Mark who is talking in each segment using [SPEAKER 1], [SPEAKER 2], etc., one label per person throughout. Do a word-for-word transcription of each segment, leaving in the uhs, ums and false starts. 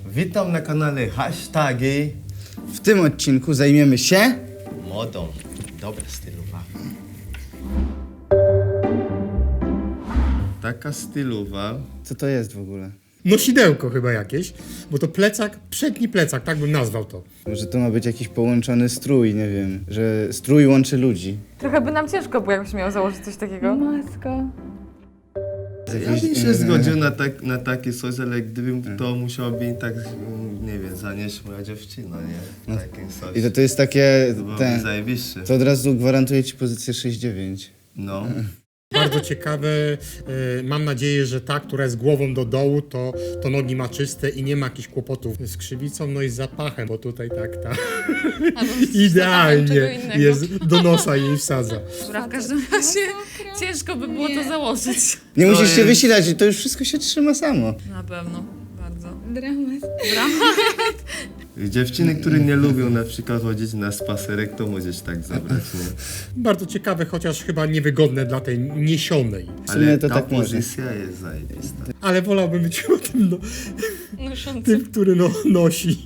[SPEAKER 1] Witam na kanale Hashtagi.
[SPEAKER 2] W tym odcinku zajmiemy się...
[SPEAKER 1] Modą. Dobra stylowa. Taka stylowa.
[SPEAKER 2] Co to jest w ogóle?
[SPEAKER 3] Nosidełko chyba jakieś, bo to plecak, przedni plecak, tak bym nazwał to.
[SPEAKER 2] Może to ma być jakiś połączony strój, nie wiem, że strój łączy ludzi.
[SPEAKER 4] Trochę by nam ciężko było, jakbyś miał założyć coś takiego.
[SPEAKER 5] Matko.
[SPEAKER 1] Ja bym się zgodził na, tak, na takie coś, ale gdybym to musiał być tak, nie wiem, zanieść moja dziewczyna, nie? Takim coś.
[SPEAKER 2] I to, to jest takie...
[SPEAKER 1] To byłoby
[SPEAKER 2] Ten,
[SPEAKER 1] zajebiście.
[SPEAKER 2] to od razu gwarantuje ci pozycję sześć dziewięć.
[SPEAKER 1] No.
[SPEAKER 3] Bardzo ciekawe, e, mam nadzieję, że ta, która jest głową do dołu, to, to nogi ma czyste i nie ma jakichś kłopotów z krzywicą, no i z zapachem, bo tutaj tak ta idealnie jest, do nosa jej wsadza.
[SPEAKER 5] Dobra, w każdym razie ciężko by było to założyć.
[SPEAKER 2] Nie
[SPEAKER 1] To
[SPEAKER 2] musisz się
[SPEAKER 1] jest-
[SPEAKER 2] wysilać, to już wszystko się trzyma samo.
[SPEAKER 5] Na pewno, bardzo.
[SPEAKER 6] Dramat.
[SPEAKER 1] Dziewczyny, które nie lubią na przykład chodzić na spacerek, to możesz tak zabrać, nie?
[SPEAKER 3] Bardzo ciekawe, chociaż chyba niewygodne dla tej niesionej.
[SPEAKER 2] W sumie
[SPEAKER 1] Ale
[SPEAKER 2] to
[SPEAKER 1] ta
[SPEAKER 2] tak może.
[SPEAKER 1] pozycja jest zajebista.
[SPEAKER 3] Ale wolałbym być chyba tym, no,
[SPEAKER 5] Noszący.
[SPEAKER 3] tym który no, nosi.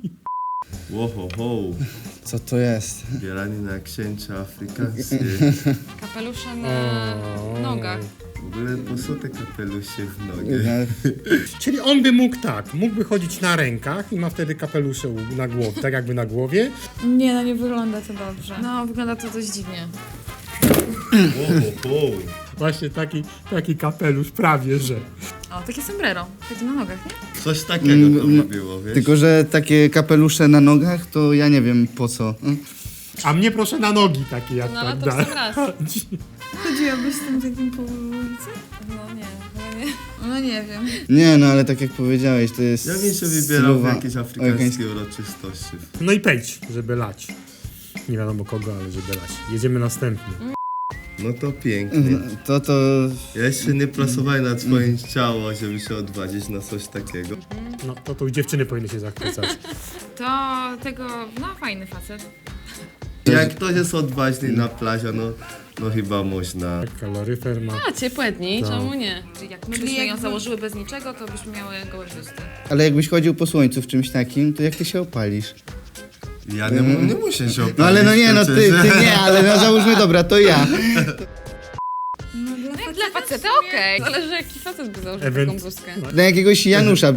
[SPEAKER 1] Łoho, ho,
[SPEAKER 2] Co to jest?
[SPEAKER 1] bierani na księcia afrykańskie.
[SPEAKER 5] Kapelusze na nogach.
[SPEAKER 1] W ogóle po co te kapelusie w nogę?
[SPEAKER 2] No,
[SPEAKER 3] Czyli on by mógł tak, mógłby chodzić na rękach i ma wtedy kapelusze u- na głowie, tak jakby na głowie.
[SPEAKER 6] Nie, no nie wygląda to dobrze.
[SPEAKER 5] No, wygląda to dość dziwnie.
[SPEAKER 1] Łoho, ho.
[SPEAKER 3] Właśnie taki, taki kapelusz prawie, że.
[SPEAKER 5] O, takie sombrero. Takie na nogach, nie?
[SPEAKER 1] Coś takiego to by było, wiesz?
[SPEAKER 2] tylko, że takie kapelusze na nogach, to ja nie wiem po co.
[SPEAKER 3] A mnie proszę na nogi takie jak
[SPEAKER 5] No, ale
[SPEAKER 3] tak
[SPEAKER 5] to w
[SPEAKER 3] da.
[SPEAKER 5] sam raz.
[SPEAKER 6] Chodziłabyś z tym takim po ulicy?
[SPEAKER 5] No nie, chyba nie.
[SPEAKER 6] No nie wiem.
[SPEAKER 2] Nie no, ale tak jak powiedziałeś, to jest
[SPEAKER 1] Ja bym się wybierał w
[SPEAKER 2] stylowa-
[SPEAKER 1] jakieś afrykańskie uroczystości.
[SPEAKER 3] No i pejdź, żeby lać. Nie wiadomo kogo, ale żeby lać. Jedziemy następny.
[SPEAKER 1] No to pięknie.
[SPEAKER 2] To to...
[SPEAKER 1] Ja jeszcze nie pracowałem nad swoim ciało, żeby się odwadzić na coś takiego.
[SPEAKER 3] No to tu dziewczyny powinny się zachwycać.
[SPEAKER 5] To tego, no fajny facet.
[SPEAKER 1] Jak ktoś jest odważny na plaży, no, no chyba można.
[SPEAKER 3] Kaloryfer ma.
[SPEAKER 5] A, ciepłe dni,
[SPEAKER 3] Tak.
[SPEAKER 5] czemu nie? Czyli jak my
[SPEAKER 6] Czyli
[SPEAKER 5] byśmy ją
[SPEAKER 6] jakby-
[SPEAKER 5] założyły bez niczego, to byśmy miały gołe biusty.
[SPEAKER 2] Ale jakbyś chodził po słońcu w czymś takim, to jak ty się opalisz?
[SPEAKER 1] Ja nie, mu- nie muszę się opalić.
[SPEAKER 2] No ale no nie, no ty,
[SPEAKER 1] przecież.
[SPEAKER 2] ty nie, ale no załóżmy, dobra, to ja.
[SPEAKER 6] No dla
[SPEAKER 5] Jak
[SPEAKER 6] faceta
[SPEAKER 5] dla faceta okej. Zależy jaki facet by założył
[SPEAKER 3] Event.
[SPEAKER 5] taką bluzkę.
[SPEAKER 2] Dla jakiegoś Janusza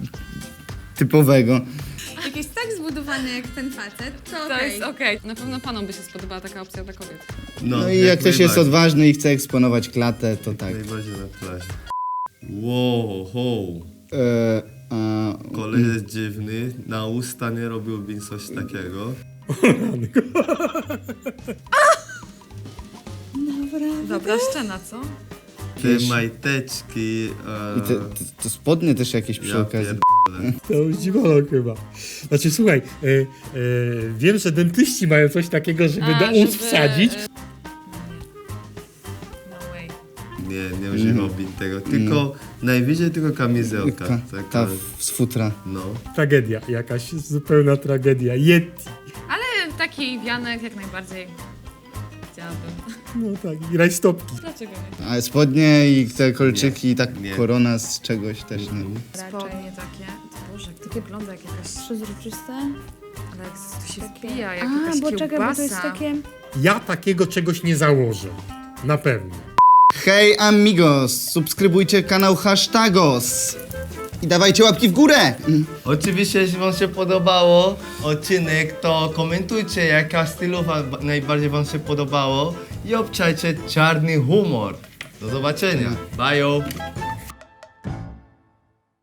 [SPEAKER 2] typowego.
[SPEAKER 6] Jak jest tak zbudowany jak ten facet, to
[SPEAKER 5] To
[SPEAKER 6] okej.
[SPEAKER 5] jest okej. Na pewno panom by się spodobała taka opcja dla kobiet.
[SPEAKER 2] No i jak ktoś jest
[SPEAKER 1] najbardziej.
[SPEAKER 2] odważny i chce eksponować klatę, to tak.
[SPEAKER 1] Najbardziej na plaży. Wow, ho.
[SPEAKER 2] E, a,
[SPEAKER 1] Kolej jest dziwny, na usta nie robiłbym coś takiego.
[SPEAKER 5] Dobra szczena, co?
[SPEAKER 1] Te majteczki... E,
[SPEAKER 2] I te, te, to spodnie też jakieś przy
[SPEAKER 1] ja
[SPEAKER 2] okazji.
[SPEAKER 1] pierdolę.
[SPEAKER 3] To już dziwolog chyba. Znaczy słuchaj, e, e, wiem, że dentyści mają coś takiego, żeby
[SPEAKER 5] A,
[SPEAKER 3] do ust
[SPEAKER 5] żeby,
[SPEAKER 3] wsadzić.
[SPEAKER 5] e, No way.
[SPEAKER 1] Nie, nie używałbym tego, tylko najwyżej tylko kamizelka.
[SPEAKER 2] Ta,
[SPEAKER 1] Taka,
[SPEAKER 2] ta z futra.
[SPEAKER 1] no.
[SPEAKER 3] Tragedia, jakaś zupełna tragedia. Yeti.
[SPEAKER 5] Ale taki wianek jak najbardziej chciałabym.
[SPEAKER 3] No tak, i rajstopki.
[SPEAKER 5] Dlaczego nie?
[SPEAKER 2] A spodnie i te kolczyki i tak
[SPEAKER 1] nie.
[SPEAKER 2] korona z czegoś też nie.
[SPEAKER 5] Spodnie takie. Boże, jak to wygląda jak jakaś...
[SPEAKER 6] Przezroczyste.
[SPEAKER 5] Ale jak to się wpija, jak
[SPEAKER 6] A,
[SPEAKER 5] jakaś
[SPEAKER 6] bo czekaj, bo to jest
[SPEAKER 5] kiełbasa.
[SPEAKER 6] takie...
[SPEAKER 3] Ja takiego czegoś nie założę. Na pewno.
[SPEAKER 2] Hej amigos, subskrybujcie kanał Hashtagos i dawajcie łapki w górę.
[SPEAKER 1] Oczywiście, jeśli wam się podobało odcinek, to komentujcie, jaka stylowa ba- najbardziej wam się podobało i obczajcie czarny humor. Do zobaczenia. Bye.